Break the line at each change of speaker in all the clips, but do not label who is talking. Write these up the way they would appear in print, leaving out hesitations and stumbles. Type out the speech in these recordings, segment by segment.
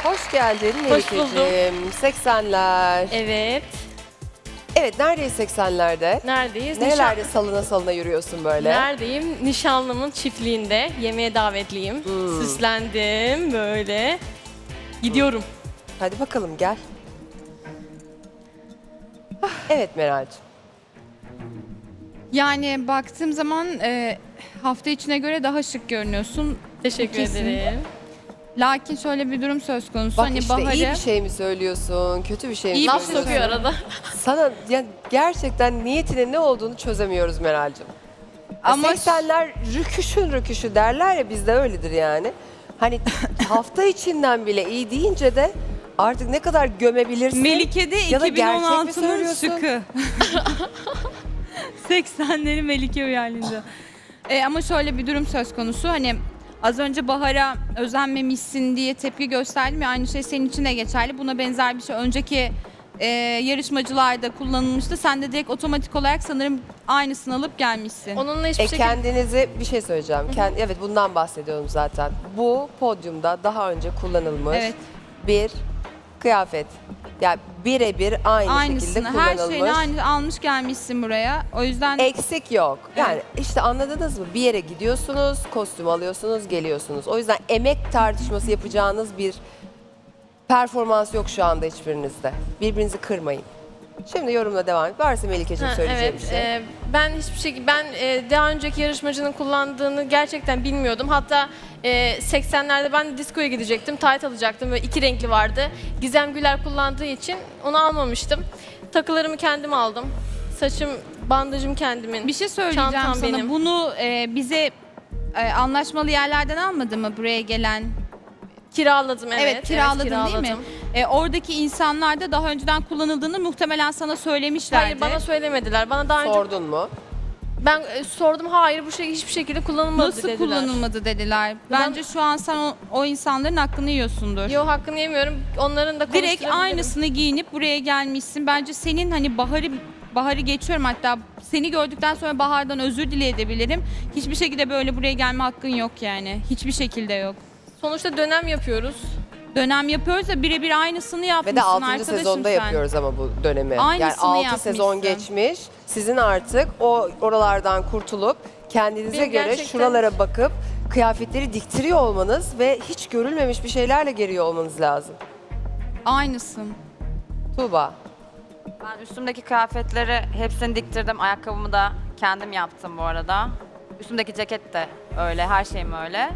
Hoş geldin
Hoş buldum.
Melike'ciğim. 80'ler.
Evet.
Evet, neredeyiz 80'lerde?
Neredeyiz?
Nerelerde salına salına yürüyorsun böyle?
Neredeyim? Nişanlımın çiftliğinde. Yemeğe davetliyim. Süslendim böyle. Gidiyorum.
Hadi bakalım gel. Evet Meral'cığım.
Yani baktığım zaman hafta içine göre daha şık görünüyorsun.
Teşekkür
Kesin.
ederim.
Lakin şöyle bir durum söz konusu.
Bak
hani
işte
Bahar'ı
iyi bir şey mi söylüyorsun, kötü bir şey mi
İyi bir
Laf
şey
söylüyorsun?
sokuyor arada.
Sana yani gerçekten niyetinin ne olduğunu çözemiyoruz Meral'cığım.
Ama
80'ler rüküşün rüküşü derler ya, bizde öyledir yani. Hani hafta içinden bile iyi deyince de artık ne kadar gömebilirsin.
Melike'de
Ya da gerçek mi
2016'nın
söylüyorsun?
şıkı. 80'leri Melike uyarlayınca.
ama şöyle bir durum söz konusu. Hani az önce Bahar'a özenmemişsin diye tepki gösterdim ya, aynı şey senin için de geçerli. Buna benzer bir şey önceki yarışmacılarda kullanılmıştı. Sen de direkt otomatik olarak sanırım aynısını alıp gelmişsin.
Onunla hiçbir şekilde...
Kendinizi bir şey söyleyeceğim. Evet, bundan bahsediyorum zaten. Bu podyumda daha önce kullanılmış
Evet.
bir kıyafet. Yani birebir aynı şekilde
Aynısını, her
kullanılmış.
şeyini aynı almış gelmişsin buraya. O yüzden
Eksik yok. Yani işte anladınız mı? Bir yere gidiyorsunuz, kostüm alıyorsunuz, geliyorsunuz. O yüzden emek tartışması yapacağınız bir performans yok şu anda hiçbirinizde. Birbirinizi kırmayın. Şimdi yorumla devam et. Varsa Melike'ciğim söyleyeceğim
evet,
bir şey.
ben hiçbir şekilde daha önceki yarışmacının kullandığını gerçekten bilmiyordum. Hatta 80'lerde ben de diskoya gidecektim, tayt alacaktım ve 2 renkli vardı. Gizem Güler kullandığı için onu almamıştım. Takılarımı kendim aldım. Saçım, bandajım kendimin.
bir şey söyleyeceğim
Çantam
sana.
benim.
Bunu bize anlaşmalı yerlerden almadı mı buraya gelen?
Kiraladım, evet.
Kiraladın
evet,
değil mi?
kiraladım.
Oradaki insanlar da daha önceden kullanıldığını muhtemelen sana söylemişlerdi.
Hayır, bana söylemediler. Bana daha önce
Sordun mu?
ben sordum, hayır bu şey hiçbir şekilde kullanılmadı
Nasıl
dediler.
kullanılmadı dediler. Bence şu an sen o insanların hakkını yiyorsundur.
Yo, hakkını yemiyorum. Onların da
Direkt
konuşturabilirim.
aynısını giyinip buraya gelmişsin. Bence senin hani Bahar'ı geçiyorum, hatta seni gördükten sonra Bahar'dan özür dileyebilirim. Hiçbir şekilde böyle buraya gelme hakkın yok yani. Hiçbir şekilde yok.
Sonuçta dönem yapıyoruz.
Dönem yapıyoruz da birebir aynısını yapmışsın
Ve de 6.
arkadaşım
sezonda
sen.
yapıyoruz ama bu dönemi.
Aynısını
yani 6 sezon
yapmışsın.
geçmiş. Sizin artık oralardan kurtulup kendinize
Benim
göre
gerçekten-
şuralara bakıp kıyafetleri diktiriyor olmanız ve hiç görülmemiş bir şeylerle geliyor olmanız lazım.
Aynısın.
Tuğba.
Ben üstümdeki kıyafetleri hepsini diktirdim. Ayakkabımı da kendim yaptım bu arada. Üstümdeki ceket de öyle, her şeyim öyle.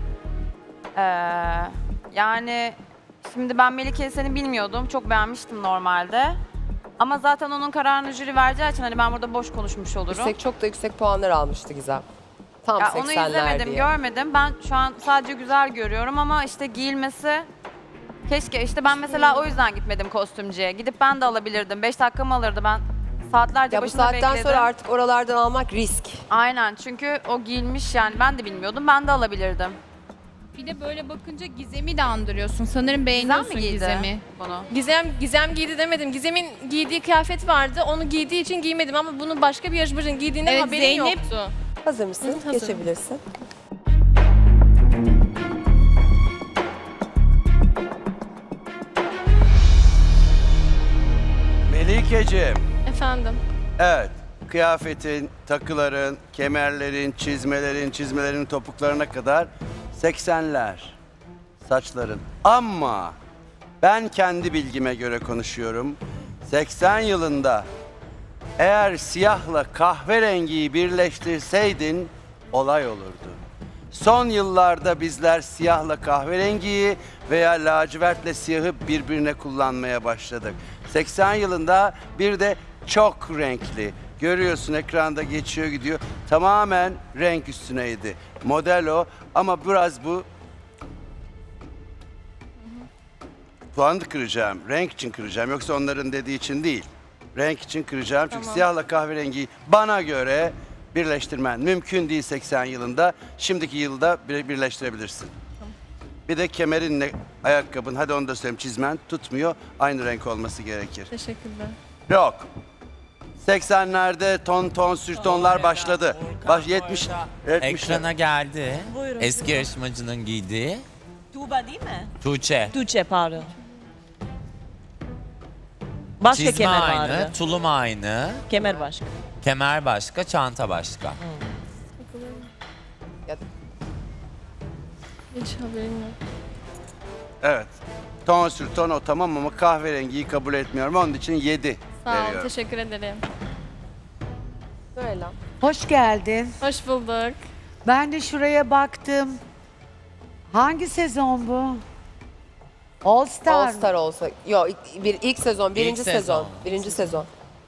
Yani şimdi ben Melike'yi seni bilmiyordum. Çok beğenmiştim normalde. Ama zaten onun kararını jüri vereceği için hani ben burada boş konuşmuş olurum.
Çok da yüksek puanlar almıştı Gizem. Tam
Ya
80'ler
onu izlemedim,
diye.
görmedim. Ben şu an sadece güzel görüyorum ama işte giyilmesi keşke, işte ben mesela o yüzden gitmedim kostümcüye. Gidip ben de alabilirdim. 5 dakikamı alırdı, ben saatlerce
Ya bu
başında
saatten
bekledim.
sonra artık oralardan almak risk.
Aynen, çünkü o giyilmiş, yani ben de bilmiyordum, ben de alabilirdim.
Bir de böyle bakınca Gizem'i de andırıyorsun. Sanırım
Gizem
beğeniyorsun
mi giydi
Gizem'i.
bunu?
Gizem giydi demedim. Gizem'in giydiği kıyafet vardı. Onu giydiği için giymedim ama bunu başka bir yarışmacının giydiğinden
Evet,
haberim
Zeynep-
yoktu.
Hazır mısın?
Hı, hazırım.
Geçebilirsin.
Melikeciğim,
Efendim.
evet, kıyafetin, takıların, kemerlerin, çizmelerin topuklarına kadar 80'ler saçların. Ama ben kendi bilgime göre konuşuyorum. 80 yılında eğer siyahla kahverengiyi birleştirseydin olay olurdu. Son yıllarda bizler siyahla kahverengiyi veya lacivertle siyahı birbirine kullanmaya başladık. 80 yılında bir de çok renkli. Görüyorsun, ekranda geçiyor gidiyor. Tamamen renk üstüneydi. Model o ama biraz bu puanı kıracağım. Renk için kıracağım. Yoksa onların dediği için değil. Renk için kıracağım. Çünkü
Tamam.
siyahla kahverengiyi bana göre birleştirmen mümkün değil 80 yılında. Şimdiki yılda birleştirebilirsin. Bir de kemerinle ayakkabın, hadi onu da söyleyeyim, çizmen tutmuyor. Aynı renk olması gerekir.
Teşekkürler.
Yok. 80'lerde ton sürtonlar başladı. 70
Ekrana geldi. Eski yarışmacının giydiği.
Tuğba değil mi?
Tuğçe.
Tuğçe pardon.
Başka
Çizme
kemer
aynı,
vardı.
tulum aynı,
Kemer başka.
kemer başka, çanta başka.
Hiç haberim yok.
Evet. Ton sür ton o tamam ama kahverengiyi kabul etmiyorum. Onun için 7
Sağ ol,
veriyorum.
teşekkür ederim.
Söyle.
Hoş geldin.
Hoş bulduk.
Ben de şuraya baktım. Hangi sezon bu? All Star.
All Star olsa. Yok ilk sezon, birinci
sezon.
sezon. Birinci sezon.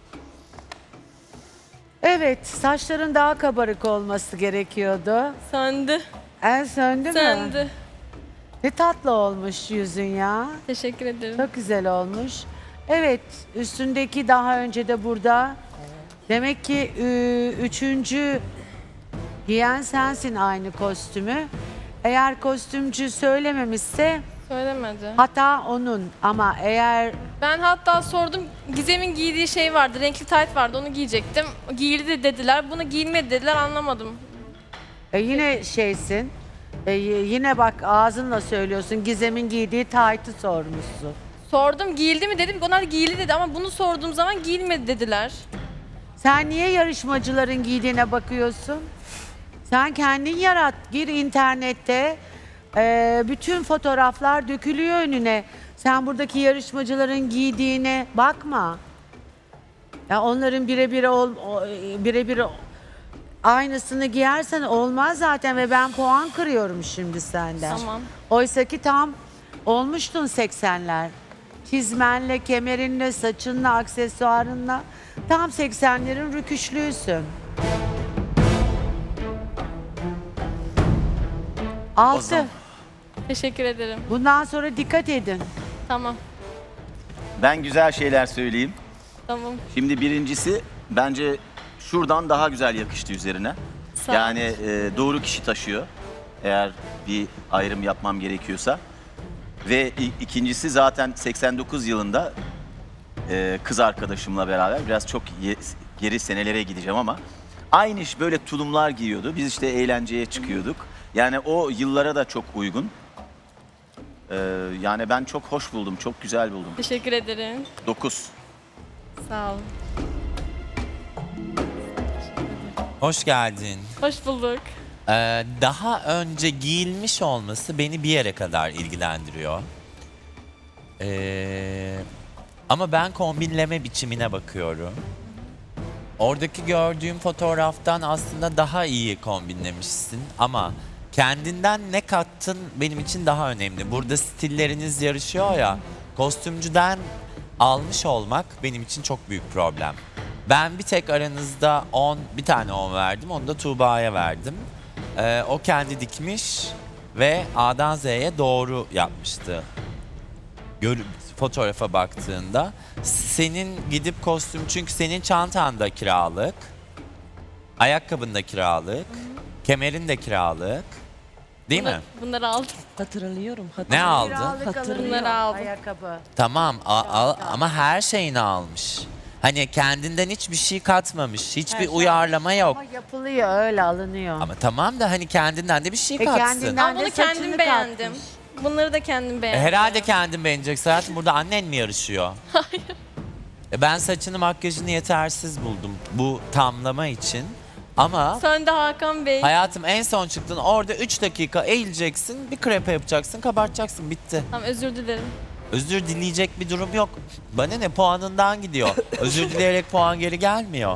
Evet, saçların daha kabarık olması gerekiyordu.
Söndü,
Söndü mü?
söndü.
Ne tatlı olmuş yüzün ya.
Teşekkür ederim.
Çok güzel olmuş. Evet, üstündeki daha önce de burada. Demek ki üçüncü giyen sensin aynı kostümü. Eğer kostümcü söylememişse
Söylemedi.
hata onun. Ama eğer
Ben hatta sordum, Gizem'in giydiği şey vardı, renkli tayt vardı, onu giyecektim. Giyildi dediler, bunu giyilmedi dediler, anlamadım.
yine şeysin, yine bak ağzınla söylüyorsun, Gizem'in giydiği taytı sormuşsun.
Sordum, giyildi mi dedim, onlar giyildi dedi ama bunu sorduğum zaman giyilmedi dediler.
Sen niye yarışmacıların giydiğine bakıyorsun? Sen kendin yarat, gir internette, bütün fotoğraflar dökülüyor önüne. Sen buradaki yarışmacıların giydiğine bakma. Ya onların birebir aynısını giyersen olmaz zaten ve ben puan kırıyorum şimdi senden.
Tamam.
Oysa ki tam olmuştun 80'ler. Çizmenle, kemerinle, saçınla, aksesuarınla tam 80'lerin rüküşlüysün. 6.
Teşekkür ederim.
Bundan sonra dikkat edin.
Tamam,
Ben güzel şeyler söyleyeyim.
tamam.
Şimdi birincisi bence şuradan daha güzel yakıştı üzerine.
Sağ ol.
Yani doğru kişi taşıyor. Eğer bir ayrım yapmam gerekiyorsa. Ve ikincisi zaten 89 yılında kız arkadaşımla beraber biraz çok geri senelere gideceğim ama aynı iş böyle tulumlar giyiyordu. Biz işte eğlenceye çıkıyorduk. Yani o yıllara da çok uygun. Yani ben çok hoş buldum, çok güzel buldum.
Teşekkür ederim.
9.
Sağ ol.
Hoş geldin.
Hoş bulduk.
Daha önce giyilmiş olması beni bir yere kadar ilgilendiriyor. Ama ben kombinleme biçimine bakıyorum. Oradaki gördüğüm fotoğraftan aslında daha iyi kombinlemişsin ama kendinden ne kattın benim için daha önemli. Burada stilleriniz yarışıyor ya, kostümcüden almış olmak benim için çok büyük problem. Ben bir tek aranızda bir tane 10 verdim, onu da Tuğba'ya verdim. O kendi dikmiş ve A'dan Z'ye doğru yapmıştı. Fotoğrafa baktığında senin gidip kostüm, çünkü senin çantan da kiralık, ayakkabın da kiralık, kemerin de kiralık, değil mi?
Bunları aldım.
Hatırlıyorum.
Ne aldın?
Kiralık alınıyor,
Bunları aldım.
ayakkabı.
Tamam ama her şeyini almış. Hani kendinden hiçbir şey katmamış, hiçbir uyarlama yok.
Ama yapılıyor, öyle alınıyor.
Ama tamam da hani kendinden de bir şey katsın.
kendinden-
Ama
de
bunu
saçını
kendim beğendim.
katmış.
Bunları da kendim beğendim.
Herhalde kendin beğeneceksin hayatım. Burada annen mi yarışıyor? Hayır. Ben saçını makyajını yetersiz buldum bu tamlama için. Ama
Söndü Hakan Bey.
hayatım en son çıktın orada 3 dakika eğileceksin, bir krepe yapacaksın, kabartacaksın, bitti.
Tamam, özür dilerim.
Özür dileyecek bir durum yok. Bana ne, puanından gidiyor. Özür dileyerek puan geri gelmiyor.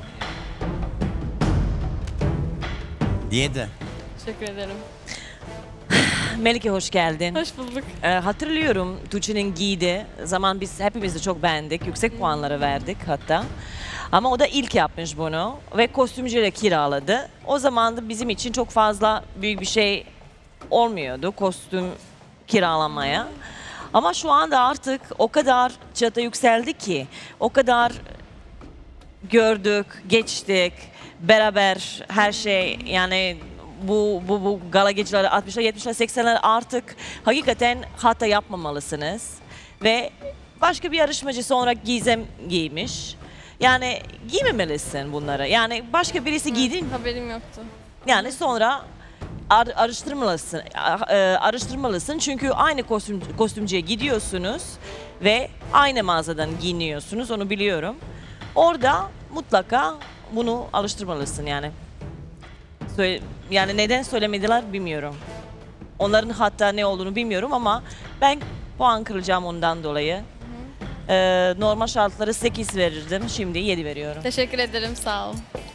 7.
Teşekkür ederim.
Melike hoş geldin.
Hoş bulduk.
Hatırlıyorum Tuğçe'nin giydiği zaman biz hepimiz de çok beğendik. Yüksek puanları verdik hatta. Ama o da ilk yapmış bunu ve kostümcüyle kiraladı. O zaman da bizim için çok fazla büyük bir şey olmuyordu kostüm kiralamaya. Ama şu anda artık o kadar çatı yükseldi ki, o kadar gördük, geçtik, beraber her şey, yani bu gala geceleri 60'lar, 70'ler, 80'ler artık hakikaten hata yapmamalısınız. Ve başka bir yarışmacı sonra Gizem giymiş. Yani giymemelisin bunları. Yani başka birisi giydin,
Haberim yoktu.
yani sonra araştırmalısın. Araştırmalısın çünkü aynı kostümcüye gidiyorsunuz ve aynı mağazadan giyiniyorsunuz, onu biliyorum. Orada mutlaka bunu alıştırmalısın yani. Yani neden söylemediler bilmiyorum. Onların hatta ne olduğunu bilmiyorum ama ben puan kıracağım ondan dolayı. Normal şartları 8 verirdim, şimdi 7 veriyorum.
Teşekkür ederim, sağ ol.